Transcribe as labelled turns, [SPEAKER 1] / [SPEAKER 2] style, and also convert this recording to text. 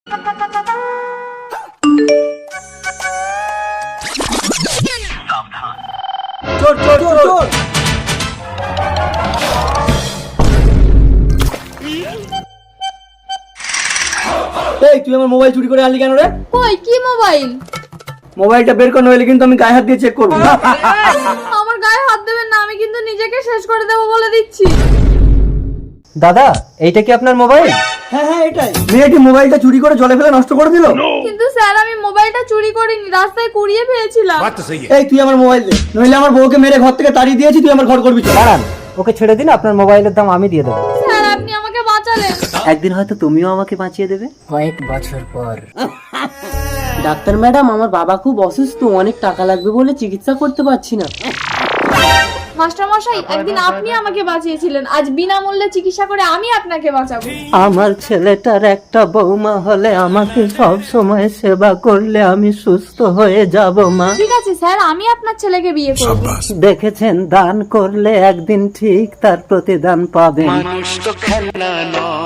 [SPEAKER 1] চোর চোর চোর। এই তুই আমার মোবাইল চুরি করে আনলি কেন রে?
[SPEAKER 2] কই কি মোবাইল?
[SPEAKER 1] মোবাইলটা বের কর, নইলে কিন্তু আমি গায়ে হাত দিয়ে চেক করবো।
[SPEAKER 2] আমার গায়ে হাত দেবেন না, আমি কিন্তু নিজেকে শেষ করে দেবো বলে দিচ্ছি।
[SPEAKER 3] দাদা এইটা কি আপনার মোবাইল?
[SPEAKER 1] হ্যাঁ হ্যাঁ এটাই। মেয়েটি মোবাইলটা চুরি করে জলে ফেলে নষ্ট করে দিল।
[SPEAKER 2] কিন্তু স্যার আমি মোবাইলটা চুরি করিনি, রাস্তায় কুড়িয়ে পেয়েছিলাম।
[SPEAKER 1] এই তুই আমার মোবাইল দে, নইলে আমার বউকে মেরে ঘর থেকে তাড়িয়ে দিয়েছি, তুই আমার ঘর করবি।
[SPEAKER 3] দাঁড়ান, ওকে ছেড়ে দিন, আপনার মোবাইলের দাম আমি দিয়ে দেবো।
[SPEAKER 2] স্যার আপনি আমাকে বাঁচালেন।
[SPEAKER 3] একদিন হয়তো তুমিও আমাকে বাঁচিয়ে দেবে।
[SPEAKER 4] কয়েক বছর পর। ডাক্তার ম্যাডাম, আমার বাবা খুব অসুস্থ, অনেক টাকা লাগবে বলে চিকিৎসা করতে পারছি না।
[SPEAKER 2] মাস্টার মশাই, একদিন আপনি আমাকে বাঁচিয়েছিলেন, আজ বিনামূল্যে চিকিৎসা করে আমি আপনাকে বাঁচাবো।
[SPEAKER 3] আমার ছেলেটার একটা বৌমা হলে আমাকে সব সময় সেবা করলে আমি সুস্থ হয়ে যাব মা।
[SPEAKER 2] ঠিক আছে স্যার, আমি আপনার ছেলেকে বিয়ে করব।
[SPEAKER 3] দেখেছেন, দান করলে একদিন ঠিক তার প্রতিদান পাবেন।